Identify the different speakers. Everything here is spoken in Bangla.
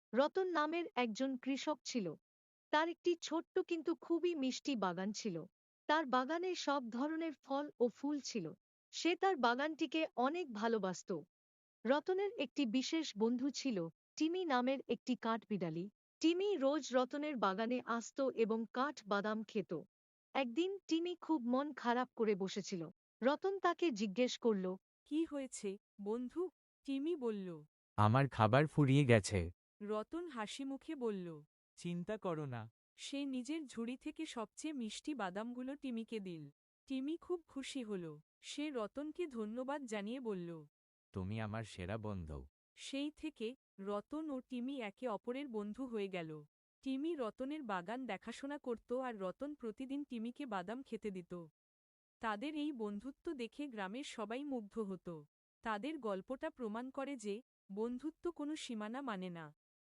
Speaker 1: রতন নামের একজন কৃষক ছিল। তার একটি ছোট্ট কিন্তু খুবই মিষ্টি বাগান ছিল। তার বাগানে সব ধরনের ফল ও ফুল ছিল। সে তার বাগানটিকে অনেক ভালোবাসত। রতনের একটি বিশেষ বন্ধু ছিল, টিমি নামের একটি কাঠবিড়ালি। টিমি রোজ রতনের বাগানে আসত এবং কাঠ বাদাম খেত। একদিন টিমি খুব মন খারাপ করে বসেছিল। রতন তাকে জিজ্ঞেস করল,
Speaker 2: কি হয়েছে, বন্ধু? টিমি বলল।
Speaker 3: আমার খাবার ফুরিয়ে গেছে।
Speaker 2: রতন হাসিমুখে বলল।
Speaker 3: চিন্তা করো না।
Speaker 2: সে নিজের ঝুড়ি থেকে সবচেয়ে মিষ্টি বাদামগুলো টিমিকে দিল। টিমি খুব খুশি হল। সে রতনকে ধন্যবাদ জানিয়ে বলল।
Speaker 3: তুমি আমার সেরা বন্ধু।
Speaker 2: সেই থেকে রতন ও টিমি একে অপরের বন্ধু হয়ে গেল। টিমি রতনের বাগান দেখাশোনা করত আর রতন প্রতিদিন টিমিকে বাদাম খেতে দিত। তাদের এই বন্ধুত্ব দেখে গ্রামের সবাই মুগ্ধ হতো। তাদের গল্পটা প্রমাণ করে যে বন্ধুত্ব কোনো সীমানা মানে না।